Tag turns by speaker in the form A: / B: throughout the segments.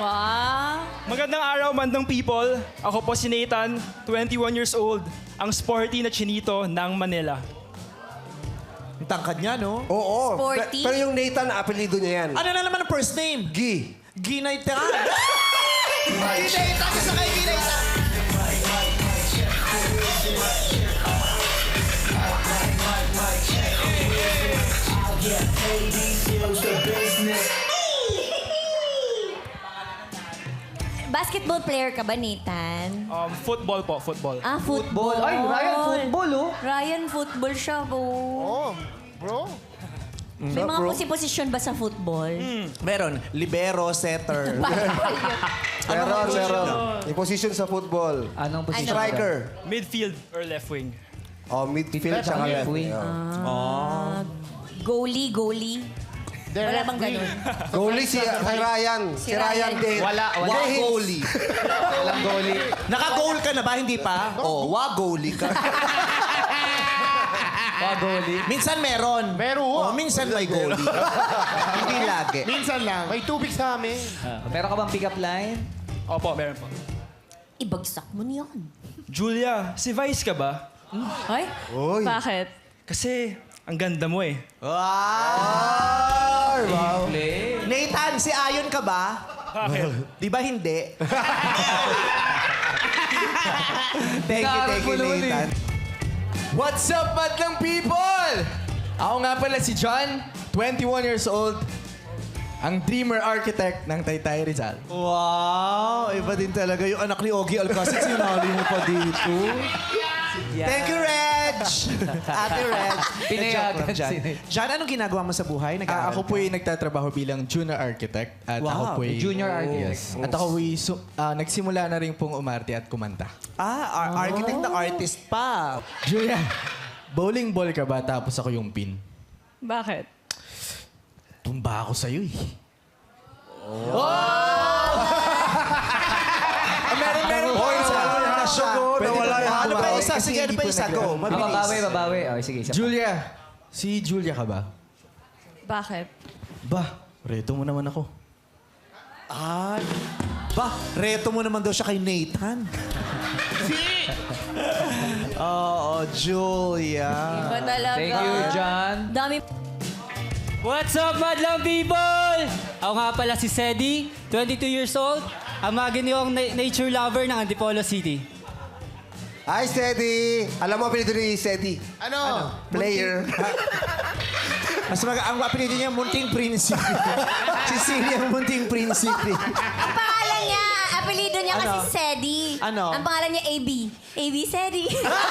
A: Wow.
B: Magandang araw, mandang people. Ako po si Nathan, 21 years old, ang sporty na chinito ng Manila.
C: Ang tangkad niya, no?
D: Oo.
A: Sporty.
D: Pero yung Nathan, apelido niya yan.
C: Ano na naman ang first name?
D: Gi.
C: Ginaytan. Ginaytan sa kay Ginaytan.
A: Basketball player ka ba, Nathan?
B: Football po, football.
A: Ah, football.
E: Ay, Ryan, football, oh.
A: Ryan, football siya, bo.
F: Oh, bro.
A: May mga posisyon ba sa football?
C: Meron, libero, setter.
D: Meron. Yung position sa football.
E: Anong position?
D: Striker.
B: Midfield or left wing.
D: Oh, midfield tsaka
E: Left
D: left
E: wing.
D: wing.
A: Goalie. Wala bang ganun?
D: Goalie si Ryan. Si Ryan din.
E: Wala.
C: Wa-goalie.
E: Walang goalie.
C: Naka-goal ka na ba? Hindi pa? Oo, wa-goalie ka.
E: Goalie.
C: Minsan meron.
F: Meron.
C: Oh, minsan may goalie. Hindi lagi.
F: Minsan lang. May tubig sa amin.
E: Meron ka bang pick-up line?
B: Opo, meron po.
A: Ibagsak mo niyan.
B: Julia, si Vice ka ba?
A: Ay?
D: Uy.
A: Bakit?
B: Kasi ang ganda mo eh.
C: Wow!
D: Wow.
C: Nathan, si Ayon ka ba?
B: Bakit?
C: Di ba hindi? Thank you, Nathan.
G: What's up, madlang people? Ako nga pala si John, 21 years old, ang dreamer architect ng Taytay Rizal.
C: Wow! Iba din talaga yung anak ni Ogie Alcacid. Sinali mo pa dito. Thank you, Reg! Ate Reg.
E: Pinayagan
C: Joke lang, John.
E: si Nate.
C: John, anong ginagawa mo sa buhay? Nag-aaral
G: Ako
C: ka?
G: po ay nagtatrabaho bilang junior architect. At
C: Wow,
G: ako po ay...
E: junior architect.
G: Yes. At ako ay nagsimula na rin pong umarte at kumanta.
C: Architect na artist pa.
G: Julia, bowling ball ka ba tapos ako yung pin?
A: Bakit?
G: Tumba ako sa'yo eh.
C: Meron points. Na siya.
D: Nawala yung
C: Ano pa
D: bumawi.
C: isa? Sige, ano pa isa? Go. Mabilis.
E: Babawi. Okay, sige. Isa pa.
G: Julia, si Julia ka ba?
A: Bakit?
G: Ba, reto mo naman ako.
C: Ba, reto mo naman daw siya kay Nathan. Oo, Julia.
A: Iba talaga.
E: Thank you, John.
A: Dami.
H: What's up, madlang people? Ako nga pala si Sedi, 22 years old, ang maginiwang nature lover ng Antipolo City.
D: Hi, Steady. Alam mo apelido ni Steady?
F: Ano?
D: Player.
C: Ang apelido niya, Munting Prinsipe. Si Celia, Munting Prinsipe.
A: Ang pangalan niya, apelido niya kasi Sedi.
C: Ano?
A: Ang pangalan niya AB. AB Sedi.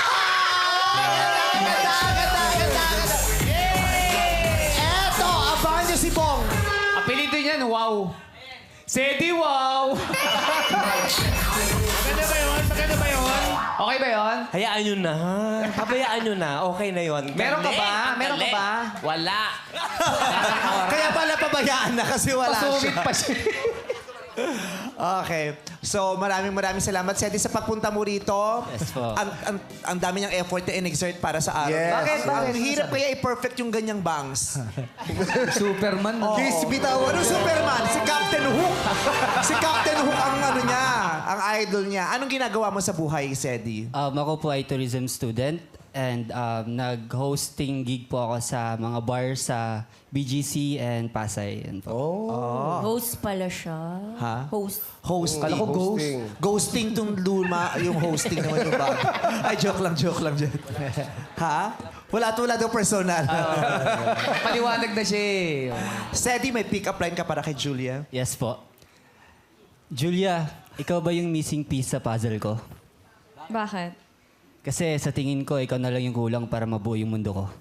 C: Eto, abangan niyo si Bong.
E: Apelido niyan, wow. Sedi, wow.
F: Maganda ba yun? Maganda ba yun?
E: Okay ba yun?
I: Hayaan nyo na. Pabayaan nyo na. Okay na yon.
E: Meron ka ba? Meron ka ba?
I: Wala.
C: Kaya pala pabayaan na kasi wala
E: Pasungit
C: siya.
E: pa siya.
C: Okay. So, maraming salamat, Sedi, sa pagpunta mo rito.
H: Yes po.
C: Ang dami niyang effort na in-exert para sa araw.
D: Yes.
E: Bakit?
C: Ang hirap kaya i-perfect yung ganyang bangs.
E: Superman.
D: Kiss bitawan.
C: Anong Superman? Si Captain Hook. Si Captain Hook ang ano niya, ang idol niya. Anong ginagawa mo sa buhay, Sedi?
H: Ako po ay tourism student and nag-hosting gig po ako sa mga bar sa BGC and Pasay. Yan po.
A: Host pala siya.
C: Ha?
A: Host.
C: Hosting.
D: Kala ko ghost.
C: Ghosting tong luma, yung hosting naman yung bago. Ay, joke lang. Ha? Wala daw personal.
E: Paliwanag na siya eh.
C: Sedi, may pick-up line ka para kay Julia?
H: Yes po. Julia, ikaw ba yung missing piece sa puzzle ko?
A: Bakit?
H: Kasi sa tingin ko, ikaw na lang yung kulang para mabuo yung mundo ko.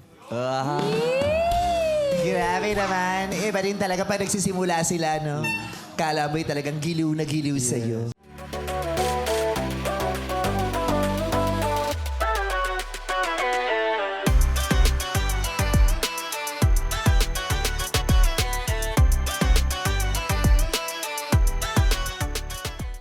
C: Grabe naman. Iba rin talaga pag nagsisimula sila, no? Kala mo'y talagang giliw na giliw sa'yo.